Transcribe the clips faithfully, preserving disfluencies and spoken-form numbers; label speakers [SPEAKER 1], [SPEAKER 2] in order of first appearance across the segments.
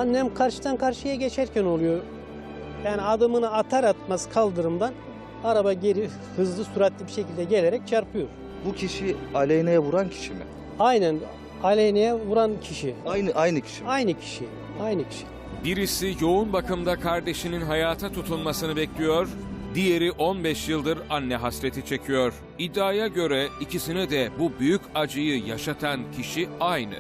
[SPEAKER 1] Annem karşıdan karşıya geçerken oluyor. Yani adımını atar atmaz kaldırımdan araba geri hızlı süratli bir şekilde gelerek çarpıyor.
[SPEAKER 2] Bu kişi Aleyna'ya vuran kişi mi?
[SPEAKER 1] Aynen Aleyna'ya vuran kişi.
[SPEAKER 2] Aynı aynı kişi mi?
[SPEAKER 1] Aynı kişi. Aynı kişi.
[SPEAKER 3] Birisi yoğun bakımda kardeşinin hayata tutunmasını bekliyor, diğeri on beş yıldır anne hasreti çekiyor. İddiaya göre ikisine de bu büyük acıyı yaşatan kişi aynı.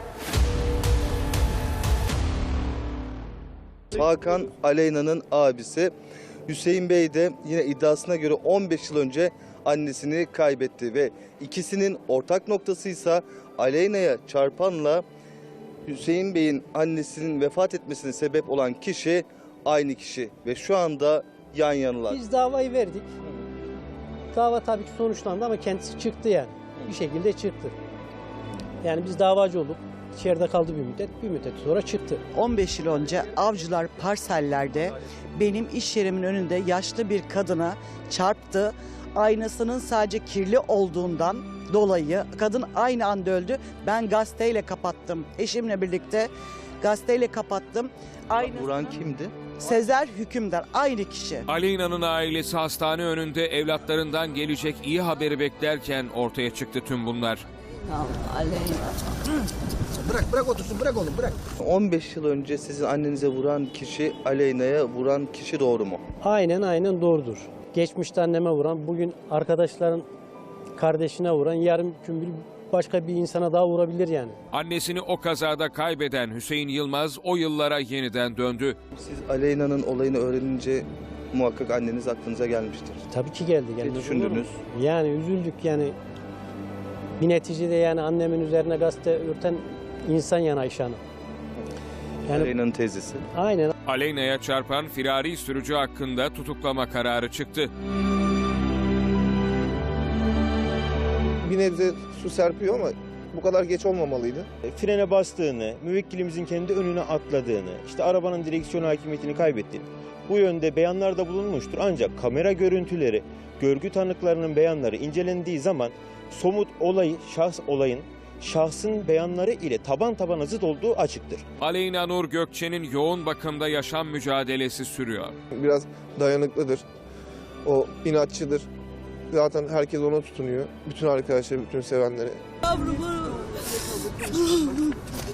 [SPEAKER 2] Hakan Aleyna'nın abisi. Hüseyin Bey de yine iddiasına göre on beş yıl önce annesini kaybetti ve ikisinin ortak noktasıysa Aleyna'ya çarpanla Hüseyin Bey'in annesinin vefat etmesine sebep olan kişi aynı kişi ve şu anda yan yanalar.
[SPEAKER 1] Biz davayı verdik. Dava tabii ki sonuçlandı ama kendisi çıktı yani. Bir şekilde çıktı. Yani biz davacı olduk. İçeride kaldı bir müddet. Bir müddet sonra çıktı.
[SPEAKER 4] on beş yıl önce Avcılar parsellerde benim iş yerimin önünde yaşlı bir kadına çarptı. Aynasının sadece kirli olduğundan dolayı kadın aynı anda öldü. Ben gazeteyle kapattım. Eşimle birlikte gazeteyle kapattım. Aynı
[SPEAKER 2] Vuran kimdi?
[SPEAKER 4] Sezer Hükümdar, aynı kişi.
[SPEAKER 3] Aleyna'nın ailesi hastane önünde evlatlarından gelecek iyi haberi beklerken ortaya çıktı tüm bunlar.
[SPEAKER 5] Bırak bırak otursun bırak oğlum bırak.
[SPEAKER 2] on beş yıl önce sizin annenize vuran kişi Aleyna'ya vuran kişi doğru mu?
[SPEAKER 1] Aynen aynen doğrudur. Geçmişte anneme vuran, bugün arkadaşların kardeşine vuran, yarın gün bir başka bir insana daha vurabilir yani.
[SPEAKER 3] Annesini o kazada kaybeden Hüseyin Yılmaz o yıllara yeniden döndü.
[SPEAKER 2] Siz Aleyna'nın olayını öğrenince muhakkak anneniz aklınıza gelmiştir.
[SPEAKER 1] Tabii ki geldi. gelmez olur mu?
[SPEAKER 2] düşündünüz?
[SPEAKER 1] Yani üzüldük yani. Bir neticede yani annemin üzerine gazete örten insan yani Ayşe Hanım. Yani
[SPEAKER 2] Aleyna'nın teyzesi.
[SPEAKER 1] aynen.
[SPEAKER 3] Aleyna'ya çarpan firari sürücü hakkında tutuklama kararı çıktı.
[SPEAKER 6] Bir nebze su serpiyor ama bu kadar geç olmamalıydı.
[SPEAKER 7] Frene bastığını, müvekkilimizin kendi önüne atladığını, işte arabanın direksiyon hakimiyetini kaybettiğini bu yönde beyanlarda bulunmuştur. Ancak kamera görüntüleri, görgü tanıklarının beyanları incelendiği zaman somut olayı, şahs olayın şahsın beyanları ile taban tabana zıt olduğu açıktır.
[SPEAKER 3] Aleyna Nur Gökçe'nin yoğun bakımda yaşam mücadelesi sürüyor.
[SPEAKER 6] Biraz dayanıklıdır. O inatçıdır. Zaten herkes ona tutunuyor. Bütün arkadaşlar, bütün sevenleri.
[SPEAKER 4] Yavrum.